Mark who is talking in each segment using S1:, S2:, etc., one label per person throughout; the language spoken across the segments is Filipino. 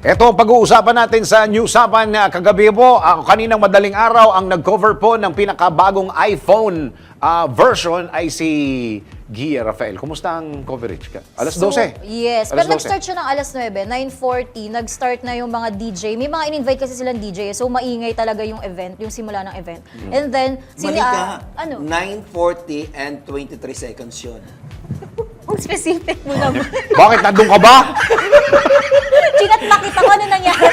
S1: Ito, pag-uusapan natin sa Newsapan kagabi po, kaninang madaling araw, ang nag-cover po ng pinakabagong iPhone version ay si Gia Rafael. Kumusta ang coverage ka? Alas 12?
S2: Yes,
S1: Alas
S2: pero
S1: 12.
S2: nag-start siya ng alas 9, 9:40, nag-start na yung mga DJ. May mga in-invite kasi silang DJ, so maingay talaga yung event, yung simula ng event. And then,
S3: Mali ka.
S2: ano?
S3: 9:40 and 23 seconds yun.
S2: Ang specific mo naman.
S1: Bakit? Nandun ka ba?
S2: Chinat makita ko ano nangyari.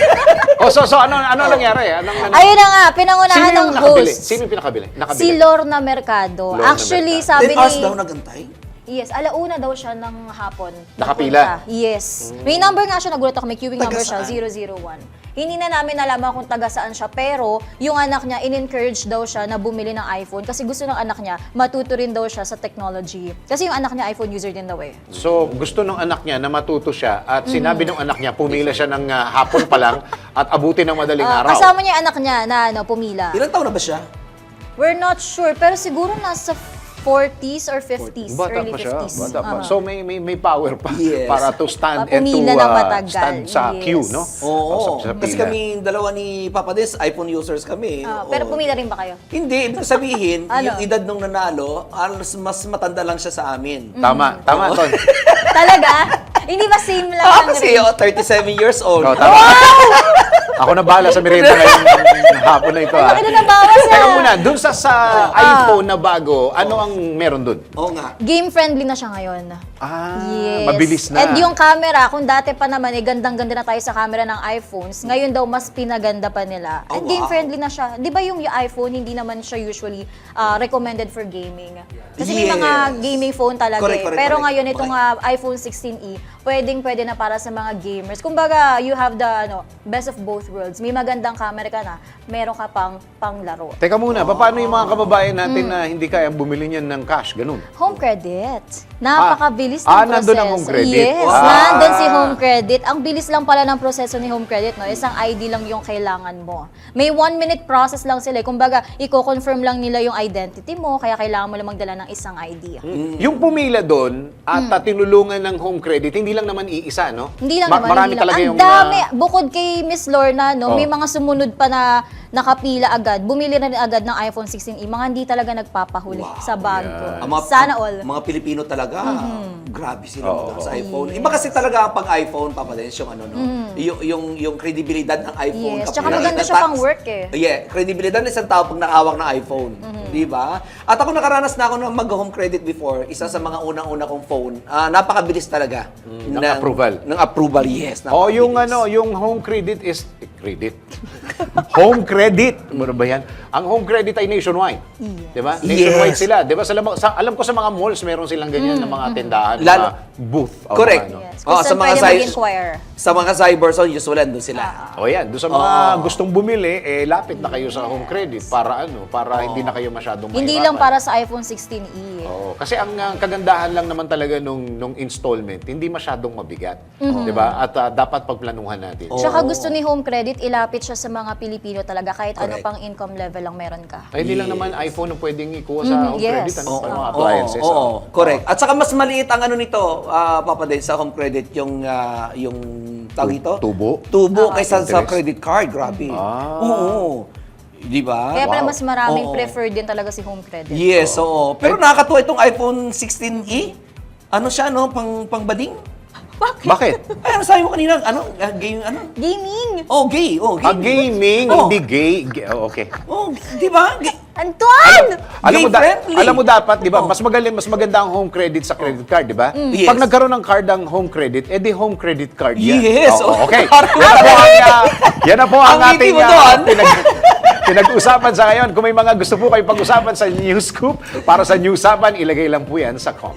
S1: Ano nangyari?
S2: Ayun na nga, pinangunahan ng host.
S1: Sino yung nakabili?
S2: Si Lorna Mercado.
S1: Lorna
S2: Actually,
S1: Mercado.
S2: sabi
S3: 10 hours
S2: ni...
S3: daw nagantay?
S2: Yes, alauna daw siya ng hapon.
S1: Nakapila?
S2: Napunta. Yes. May number nga siya, nagulat ako, may queuing
S3: Taga
S2: number siya,
S3: saan?
S2: 001. Hindi na namin nalaman kung taga saan siya, pero yung anak niya, in-encourage daw siya na bumili ng iPhone kasi gusto ng anak niya, matuto rin daw siya sa technology. Kasi yung anak niya, iPhone user din daw eh.
S1: So, gusto ng anak niya na matuto siya at sinabi ng anak niya, pumila siya ng hapon pa lang at abutin ng madaling araw.
S2: Kasama niya yung anak niya na pumila.
S3: Ilang taon na ba siya?
S2: We're not sure, pero siguro nasa 40s or 50s,
S1: Bata
S2: early
S1: pa siya.
S2: 50s.
S1: Bata pa. So, may power pa
S3: Yes.
S1: para to stand and to
S2: Pumila ng matagal.
S1: stand sa
S2: Yes.
S1: queue, no?
S3: Oo.
S1: Sa
S3: Kasi
S1: pila.
S3: kami, dalawa ni Papa Des, iPhone users kami.
S2: Pero
S3: Oo.
S2: pumila rin ba kayo?
S3: Hindi, ibig sabihin,
S2: Ano?
S3: yung edad nung nanalo, mas matanda lang siya sa amin.
S1: Tama, Ton.
S2: Talaga? Hindi ba same lang ang
S3: Kasi
S2: range?
S3: 37 years old.
S1: Oh, tama. Ako na bahala sa merienda ngayong hapon na ito.
S2: Ay, bakit na bawas
S1: Teka muna, dun sa iPhone na bago, ano ang meron dun?
S3: Oo nga.
S2: Game-friendly na siya ngayon. Yes.
S1: Mabilis na.
S2: And yung camera, kung dati pa naman, gandang-ganda na tayo sa camera ng iPhones, ngayon daw mas pinaganda pa nila.
S3: Oh,
S2: And
S3: wow.
S2: game-friendly na siya. Di ba yung iPhone, hindi naman siya usually recommended for gaming? Kasi may mga
S3: Yes.
S2: gaming phone talaga
S3: Correct,
S2: eh.
S3: correct,
S2: Pero
S3: correct.
S2: ngayon, itong iPhone 16e, pwede na para sa mga gamers. Kumbaga, you have the best of both worlds. May magandang camera ka na, meron ka pang panglaro.
S1: Teka muna, paano yung mga kababayan natin na hindi kayang bumili niyan ng cash? Ganun.
S2: Home credit. Napakabilis ng proseso.
S1: nandun ang home credit.
S2: Yes,
S1: Wow.
S2: nandun si home credit. Ang bilis lang pala ng proseso ni home credit, no? Isang ID lang yung kailangan mo. May 1-minute process lang sila. Kumbaga, i-confirm lang nila yung identity mo, kaya kailangan mo lang magdala ng isang ID.
S1: Yung pumila doon at tinulungan ng home credit, hindi lang naman iisa, no?
S2: Hindi lang naman.
S1: Marami
S2: hindi lang.
S1: talaga
S2: Ang
S1: yung...
S2: dami. Bukod kay Miss Lorna, no,
S1: Oh.
S2: may mga sumunod pa na nakapila agad. Bumili na rin agad ng iPhone 16e. Mga hindi talaga nagpapahuli sa bag ko. Sana all.
S3: Mga Pilipino talaga, grabe sila
S1: Oo.
S3: sa iPhone. Iba kasi talaga pag iPhone, Papa Des, yung ano, no? Yung kredibilidad ng iPhone.
S2: Yes, tsaka maganda siya pang work eh.
S3: Yeah, kredibilidad ng isang tao pag nakahawak ng iPhone. Di ba? At ako nakaranas na ako ng mag-home credit before. Isa sa mga unang-una kong phone. Napakabilis talaga.
S1: Ng approval.
S3: Ng approval, yes.
S1: Oh, yung
S3: napakabilis.
S1: yung home credit is home credit. Ano ba yan? Ang home credit ay nationwide. Di ba? Nationwide
S3: Yes.
S1: sila. Di ba? Alam ko sa mga malls, meron silang ganyan na mga tindahan,
S3: Lalo-
S1: mga booth. o
S3: Correct.
S1: mga ano.
S2: Yes.
S3: Oh,
S2: Kung saan pwede mag-inquire.
S3: Sa mga cyberzone, usually doon sila.
S1: O yan, doon sa mga gustong bumili, lapit na kayo sa home credit para hindi na kayo masyadong
S2: Hindi
S1: mahirapan.
S2: lang para sa iPhone 16e.
S1: Oo, kasi ang kagandahan lang naman talaga nung installment, hindi masyadong mabigat. 'Di ba? At dapat pagplanuhan natin.
S2: Tsaka gusto ni Home Credit, ilapit siya sa mga Pilipino talaga kahit ano
S3: Correct.
S2: pang income level lang meron ka.
S1: Ay, hindi lang naman iPhone ang pwedeng ikuha sa home
S2: yes.
S1: credit. Ano
S2: Oo.
S1: pa mga appliances.
S3: Oo, correct. At saka mas maliit ang ano nito, Papa Des, sa home credit, yung tawag ito?
S1: Tubo?
S3: Tubo kaysa sa
S1: Interest?
S3: credit card, grabe. Oo. Di ba?
S2: Kaya pala
S1: Wow.
S2: mas maraming
S3: Oo.
S2: preferred din talaga si Home Credit.
S3: Yes, oo. Pero nakakatuwa itong iPhone 16e. Ano siya, no? Pangbading?
S1: Bakit?
S3: Ay, ano sabi mo kanina? Ano? Game, ano?
S2: Gaming!
S3: Oh, gay. Oh,
S1: Gaming,
S3: Oh.
S1: hindi gay. Okay.
S3: Oh, di ba?
S2: Antoine!
S3: Gay-friendly.
S1: Alam mo dapat, 'di ba?
S3: Oh.
S1: Mas maganda ang home credit sa credit card, 'di ba?
S3: Yes.
S1: Pag nagkaroon ng card ang home credit, edi home credit card yan.
S3: Yes.
S1: Oo, okay.
S3: Parang-
S1: Yan na po ang
S3: Ang ngiti
S1: ating
S3: mo doon.
S1: pinag-usapan sa ngayon. Kung may mga gusto po kayo pag-usapan sa News Scoop, para sa Newsapan, ilagay lang po yan sa comment.